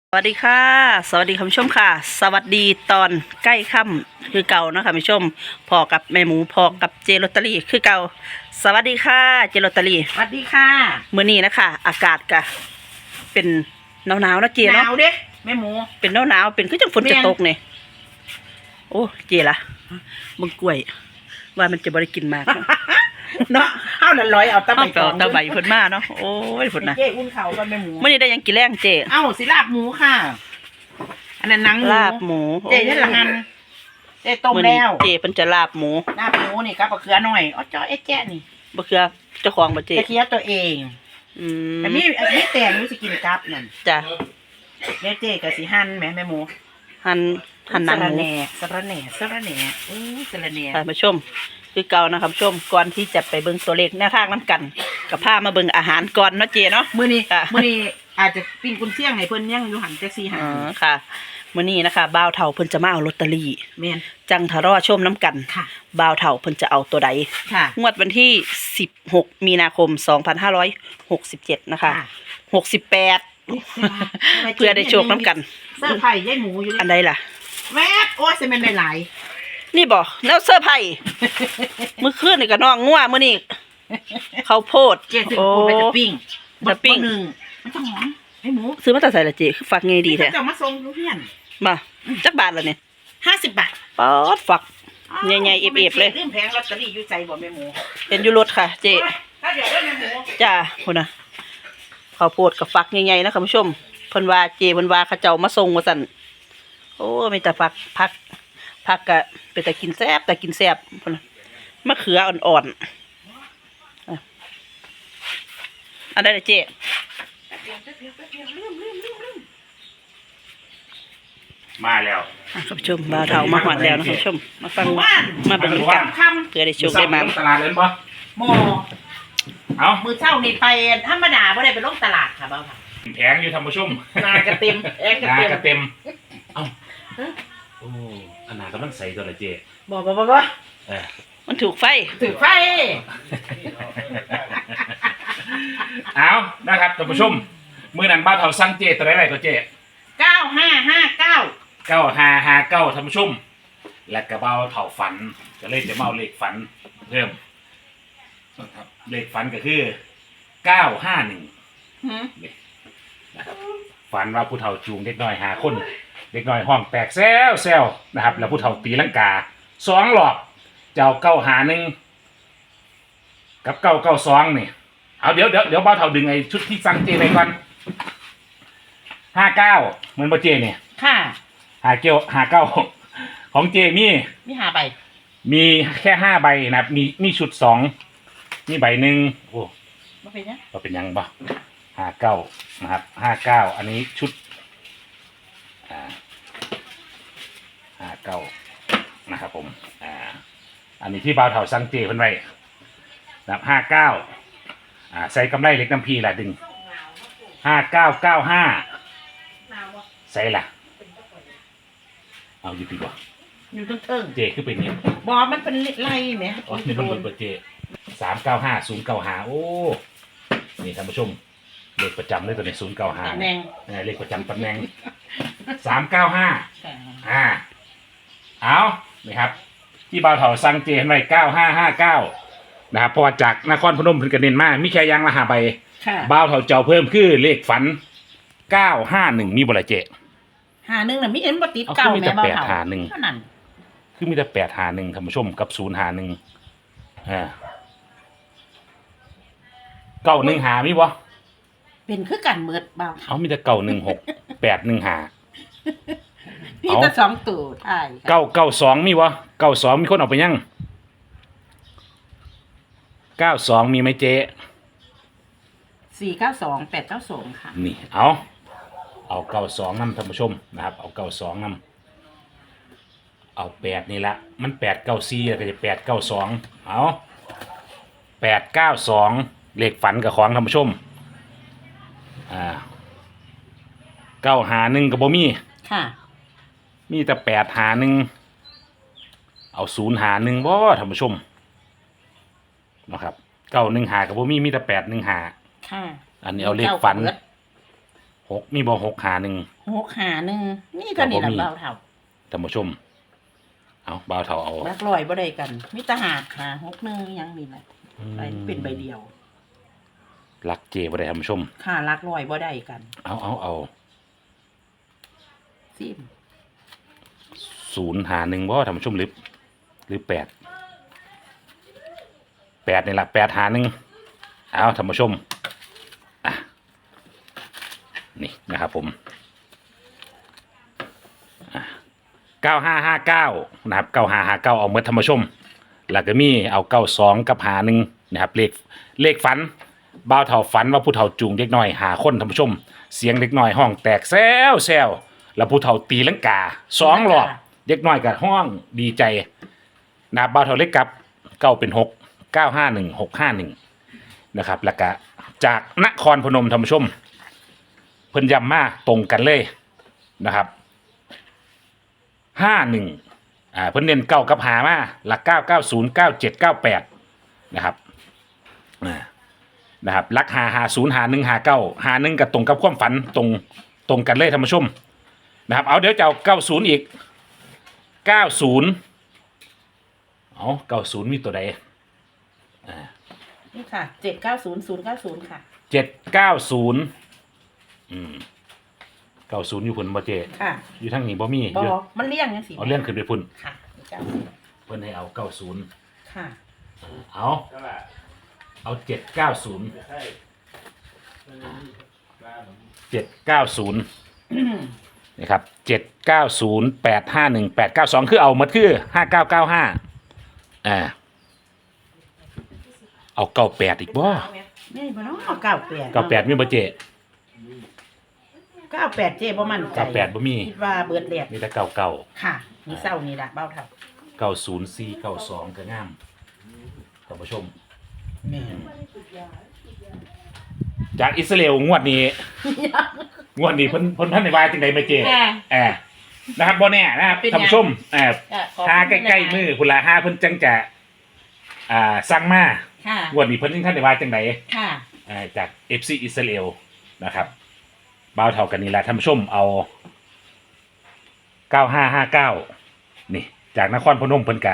สวัสดีค่ะสวัสดีคุณผู้ชมค่ะสวัสดีตอนใกล้ค่ำคือเก่านะคะคุณผู้ชมพอกับแม่หมูพอกับเจลอตเตอรี่คือเก่าสวัสดีค่ะเจลอตเตอรี่สวัสดีค่ะมื้อนี้นะคะอากาศก็เป็นหนาวๆนะเจหเนาะนาวเด้แม่หมูเป็นหนาวๆเป็นคือจังฝนจะตกนี่โอ้เจล่ะมึงกล้วยว่ามันจะบ่ได้กินมากเนาะเอาละร้อยเอาตะไบเอาตะใบเพิ่นมาเนาะโอ้ยฝนนะเจ๊อุ่นเข่ากันแม่หมูมื้อนี้ได้หยังกินแรงเจเอ้าสิลาบหมูค่ะ อันนั้นหนังหมูลาบหมูเจ๊ยันละหันเจ๊ต้มมื้อนี้แล้วเจเพิ่นจะลาบหมูลาบหมูนี่กับมะเขือหน่อยอ๋อจ้อเอ๊ะแจ๊ะนี่บ่คือเจ้าของบ่เจกระเทียมตัวเองอืมอันนี้แต่งรู้สิกินกับนั่นจ้ะเดี๋ยวเจ๊กับสิหั่นแม่หมูหั่นหนังหมูสะระแหน่สะระแหน่สะระแหน่ค่ะมาชมคือเก่านะครับชมก่อนที่จะไปเบิ่งตัวเลขแนวทางน้ำกันกับผ้ามาเบิ่งอาหารก่อนเนาะเจเนาะมื้อนี้ค่ะอาจจะปิ้งกุนเชียงให้เพิ่นยังอยู่หันจักซี่หันอ๋อค่ะมื้อนี้นะคะบ่าวเฒ่าเพิ่นจะมาเอาลอตเตอรี่แม่นจังทะรอชมน้ำกันค่ะบ่าวเฒ่าเพิ่นจะเอาตัวใดค่ะงวดวันที่16มีนาคม2567นะคะค่ะ 68เพื่อได้โชคน้ำกันเสื้อไผ่ยายหมูอยู่อันี่นใดล่ะแวบโอ้ยจะเป็นได้หลายนี่บ่แล้วเสื้อร์ไผ่มื้อคืนนี่ก็น้องงัวมื้อนี้ข้าวโพดเจ๊ถึงพูดไปจะปิ้งจะปิ้งหนึ่งมันจะหอมไอ้หมูซื้อมาแต่ใส่ละเจคือฝักไงดีแท้จะมาส่งลูกเพื่อนมาจักบาทละเนี่ย 50 บาทป๊อดฝัก ใหญ่ๆเอฟๆเลยเรื่องแพงลอตเตอรี่อยู่ใจบ่แม่หมูเป็นอยูรถค่ะ เจถ้าเดี๋ยวได้แม่หมูจ้าพุ่นนะข้าวโพดกับฝักใหญ่ๆนะคุณผู้ชมเพิ่นว่าเจเพิ่นว่าเขาเจ้ามาส่งว่าซั่นโอ้มีแต่ผักก็เป็นแต่กินแซ่บแต่กินแซ่บพุ่นน่ะมะเขืออ่อนๆอ่ะอันใดล่ะเจมาแล้วอ่ะคุณผู้ชมบ่าวเฒ่ามาหอดแล้วนะคุณผู้ชมมาฟังมาเบิ่งกันคำเพื่อได้โชคได้มาตลาดเลยปะหมอเอามือเช้านี่ไปธรรมดาบ่ได้ไปลงตลาดค่ะบ่าวค่ะแผงอยู่ทำผู้ชมนากระเต็มแอกระนาเต็มกระเต็ม เอาโอ้อันนากำลังใส่ตัวละเจบ่เออมันถูกไฟถือไฟเอานะครับท่านผู้ชมมือนั้นบ้านเฮาสั่งเจตัวไหนก็เจ 9559 9559ท่านผู้ชม และกระเบ้าเถาฝันก็เลยจะมาเอาเลขฝันเพิ่มนะครับเลขฝันก็คือ951 หืมนะครับฝันว่าผู้เฒ่าจูงเด็กน้อย5 คนเด็กน้อยห้องแตกแซวนะครับ แล้วผู้เฒ่าตีลังกา2 รอบเจ้า951กับ992นี่เอาเดี๋ยวบ้าวเฒ่าดึงไอ้ชุดที่สั่งเจไปก่อน59เหมือนบ่เจเนี่ยค่ะ 59ของเจมีมี5ใบมีแค่5 ใบนะครับมีชุด2นี่ใบหนึ่งโอ้บ่เป็นหยังก็เป็นยังบ่59นะครับ59อันนี้ชุด59นะครับผมอันนี้ที่บ่าวเฒ่าสั่งเจเพิ่นไว้นะครับ59ใส่กำไรเหล็กน้ำพีล่ะดึง5995ใส่ล่ะเอาอยู่ดีกว่าอยู่เทิงเจคือเป็นเนี่ยๆบ่มันเป็นไล่แหมอ๋อนี่มันเบอร์เจ395095โอ้นี่ท่านผู้ชมเลขประจำเลยตัวนี้095 ตำแหน่งเลขประจำตำแหน่ง395เอานี่ครับที่บ่าวเฒ่าสั่งเจไว้9559นะครับเพราะว่าจากนครพนมเพิ่นก็เน้นมามีแค่ยางละ5 ใบค่ะบ่าวเฒ่าเจ้าเพิ่มคือเลขฝัน951มีบ่ล่ะเจ 51น่ะมีเห็นบ่ติดเอาเก่าคือมีแต่แม่บ่เฒ่า 851 เท่านั้นคือมีแต่851ท่านผู้ชมกับ051915มีบ่เป็นคือกันเบิดบ่าวเอามีแต่916 815 พี่แต่2ตัวท้ายค่ะ 992มีบ่92มีคนเอาไปยัง92มีไหมเจ๊ 492 892ค่ะนี่เอา92นำท่านผู้ชมนะครับเอา92นำเอา8นี่ละมัน894แล้วก็จะ892เอา892เลขฝันกับของท่านผู้ชม951ก็บ่มีค่ะมีแต่851เอา051บ่ท่านผู้ชมนะครับ915ก็บ่มีแต่815 ค่ะอันนี้เอาเลขฝันเบิด 6มีบ่6หาหนึ่ง 6 5 1นี่เท่านี้ล่ะบ่มีเบาเท่าท่านผู้ชมเอาบ่าวเฒ่าเอาหลักร้อยบ่ได้กันมีแต่5 6 1ยังนี่แหละไปเป็นใบเดียวรักเจบ่ได้ท่านผู้ชมค่าหลักร้อยบ่ได้กันเอาซิม 0หา1บ่ท่านผู้ชมหรือ8นี่ล่ะ8หา1เอาท่านผู้ชมอ่ะนี่นะครับผม9559นะครับ9559เอาหมดท่านผู้ชมแล้วก็มีเอา92กับหา1นะครับเลขฝันบ่าวเฒ่าฝันว่าผู้เฒ่าจูงเด็กน้อยหาคนท่านผู้ชม เสียงเด็กน้อยห้องแตกแซวแล้วผู้เฒ่าตีลังกา2รอบเด็กน้อยก็ห้องดีใจนะครับบ่าวเฒ่าเล็กกับเก้าเป็น6 951 651นะครับแล้วก็จากนครพนมท่านผู้ชมเพิ่นย้ำมาตรงกันเลยนะครับ51เพิ่นเน้นเก้ากับหามาหลัก990 97 98นะครับนะครับหลัก50 51 59 51กับตรงกับความฝันตรงกันเลยท่านผู้ชมนะครับเอาเดี๋ยวจะเอา90อีก90เอา90มีตัวใดนี่ค่ะ790 090ค่ะ 79090อยู่พุ่นบ่เจค่ะอยู่ทางนี้บ่มีบ่อยู่มันเลี่ยงจังซี่เอาเลื่อนขึ้นไปพุ่นค่ะเพิ่นให้เอา90 ค่ะเอา790 นะครับ790 851 892คือเอาหมดคือ5995เอา98อีกบ่นี่บ่เนาะ98 98มีบ่เจ 98เจ๊บ่มั่นใจ 98บ่มีคิดว่าเบิดแดดมีแต่99 ค่ะนี่เศร้านี่ล่ะเบ้าเท่า 904 92ก็งามท่านผู้ชมแม่จากอิสราเอลงวดนี้ เพิ่นท่านในวายจังได๋แม่เจนะครับบ่แน่นะครับท่านผู้ชมหาใกล้ๆมือพุ่นละหาเพิ่นจังจะสั่งมาค่ะงวดนี้เพิ่นจังท่านในวายจังได๋ค่ะจาก FC อิสราเอลนะครับบ่าวเท่ากันนี่แหละท่านผู้ชมเอา9559นี่จากนครพนมเพิ่นกะ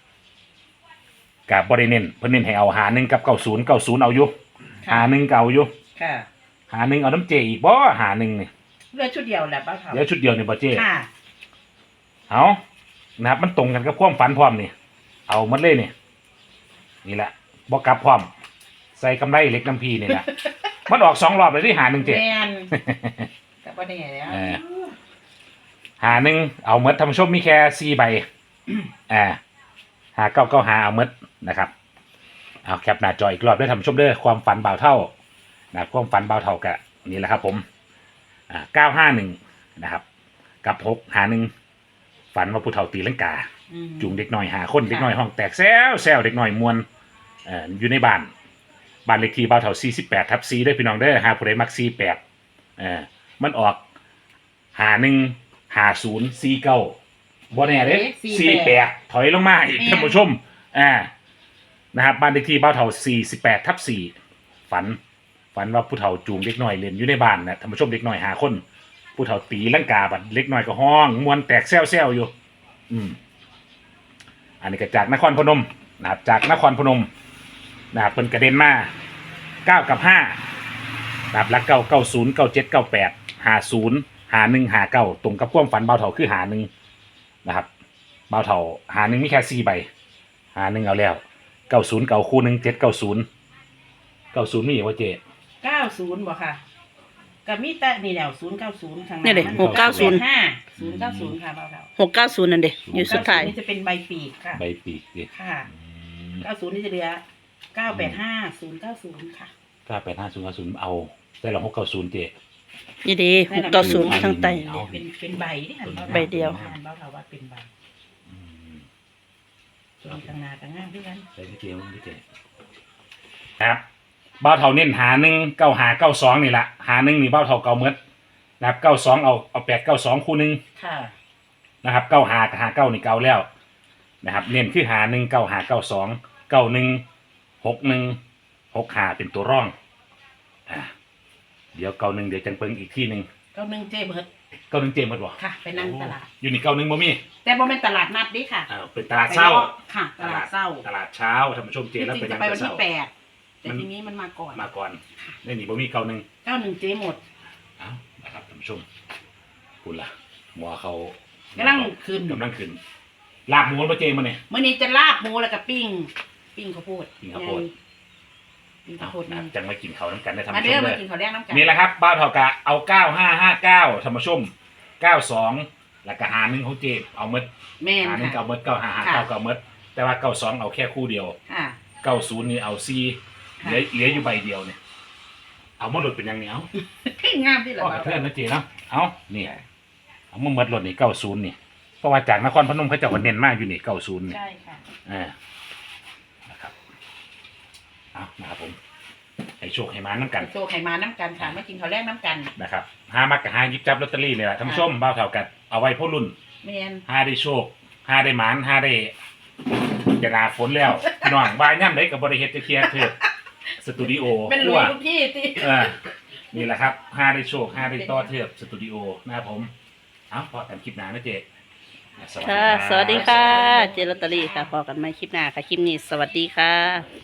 บ่ได้เน้นเพิ่นเน้นให้เอาหา1กับ90เอาอยู่หา1ก็เอาอยู่ค่ะหา1เอาน้ำเจอีกบ่หา1นี่เหลือชุดเดียวแหละเบ้าเท่าเดี๋ยวชุดเดียวนี่บ่เจค่ะเอานะครับมันตรงกันกับความฝันพร้อมนี่เอาหมดเลยนี่แหละบ่กลับพร้อมใส่กำไรเหล็กน้ำพีนี่แหละมันออก2รอบเลยที่หา1เจแม่นก็บ่ได้แล้วหา1เอาหมดท่านผู้ชมมีแค่4ใบหา995เอาหมดนะครับเอาแคปหน้าจออีกรอบด้วยท่านผู้ชมเด้อความฝันบ่าวเท่านะความฝันบ่าวเท่ากะนี่แหละครับผม951นะครับกับ651ฝันว่าผู้เฒ่าตีลังกาจูงเด็กน้อยหาคนเด็กน้อยห้องแตกแซวเด็กน้อยมวนอยู่ในบ้านเลขที่บ่าวเฒ่า48/4ด้วยพี่น้องเด้อหาผู้ใดมัก48มันออก515049บ่แน่เด้48ถอยลงมาอีกท่านผู้ชมนะครับบ้านเลขที่บ่าวเฒ่า48/4ฝันว่าผู้เฒ่าจูงเด็กน้อยเล่นอยู่ในบ้านนะท่านผู้ชมเด็กน้อยหาคนผู้เฒ่าตีลังกาบัดเล็กน้อยก็ห้องมวนแตกแซวอยู่อันนี้ก็จากนครพนมนะครับจากนครพนมนะครับเพิ่นกระเด็นมา9กับ5นะครับหลัก9 90 97 98 50 51 59ตรงกับความฝันเบาเฒ่าคือ1นะครับเบาเฒ่า1มีแค่4ใบ1เอาแล้ว90เก่าคู่1 790 90มีว่าเจ 90บ่ค่ะก็มีแต่นี่แหละ090ข้างหน้านี่เด้มัน 690 090ค่ะเบ้าเท่า 690นั่นเด้อยู่สุดท้ายนี่จะเป็นใบปีกค่ะใบปีกดิค่ะ90นี่จะเหลือ985 090ค่ะ 985090เอาได้ละ690เจนี่เด้690ทางใต้เอาเป็นใบที่หันใบเดียวหันเบ้าเท่าว่าเป็นใบส่วนข้างหน้าก็งามด้วยกันใส่ที่เจมันที่เจครับเบ้าเท่าเน้น9592นี่ละ51นี่เบ้าเท่าเก่าเมดนะครับ92เอา892คู่นึงค่ะนะครับ95กับ59นี่เก่าแล้วนะครับเน้นคือ519592 91 61 65เป็นตัวร่องเดี๋ยวเก้าหนึ่งเดี๋ยวจังเปิงอีกที่หนึ่งเก้าหนึ่งเจ๊เบิดเก้าหนึ่งเจมส์หมดบ่ค่ะ ไปนั่งตลาดอยู่นี่เก้าหนึ่งบ่มีแต่บ่เป็นตลาดนัดดิค่ะเป็นตลาดเช้าค่ะ ตลาดเช้าตลาดเช้าท่านผู้ชมเจจแล้วริงเป็นๆจะไปวันที่เช้า 8แต่ทีนี้มันมาก่อนมาก่อนนี่บ่มีเก้าหนึ่ง 91เจ๊หมดเอานะครับท่านผู้ชมคุณล่ะหมอเขากำลังขึ้นกำลังขึ้นลาบหมูมาเจมาเนี่ยมื้อนี้จะลาบหมูแล้วก็ปิ้งข้าวโพดปิ้งข้าวโพดปิ้งข้าวโพดนะนี่จังมากินเขาวน้ำกันได้ท่านมาผู้ชเด้อมมาเลยกินข้าวแดงน้ำกันนี่แหละครับบ้านเท่ากะเอา9559ท่านผู้ชม92แล้วก็หา1ของเจเอาหมดแม่นหา1 ค่ะเอาหมด9559เอาหมดแต่ว่า92เอาแค่คู่เดียวค่ะ 90นี่เอาซีเหลืออยู่ใบเดียวเนี่ยเอามาหลุดเป็นยังไงเอางามที่ละก็บ่าวเพื่อนนะเจเนาะเอานี่เอามาหมดหลุดนี่90นี่เพราะว่าจากนครพนมเขาเจ้าก็เน้นมากอยู่นี่90นี่ใช่ค่ะนะครับเอานะครับผมให้โชคให้มาน้ำกันโชว์ไข่มาน้ำกันค่ะมากินข้าวแดงน้ำกันนะครับหามักกับหาหยิบจับลอตเตอรี่เนี่ยแหละท่านผู้ชมบ้าวเท่ากันเอาไว้พ่อรุ่นแม่นหาได้โชคหาได้หมานหาได้จะนาฝนแล้วพี่น้องวายย่ำได้กับบริเฮตจะเคลียร์เถิดสตูดิโอเป็นลุยทุกที่ตินี่แหละครับหาได้โชคหาได้ต่อเถิดสตูดิโอนะครับผมเอาพอกันคลิปหน้านะเจสวัสดีค่ะรับสวัสดีค่ะ เจลอตเตอรี่ค่ะพอกันใหม่คลิปหน้าค่ะ คลิปนี้สวัสดีค่ะ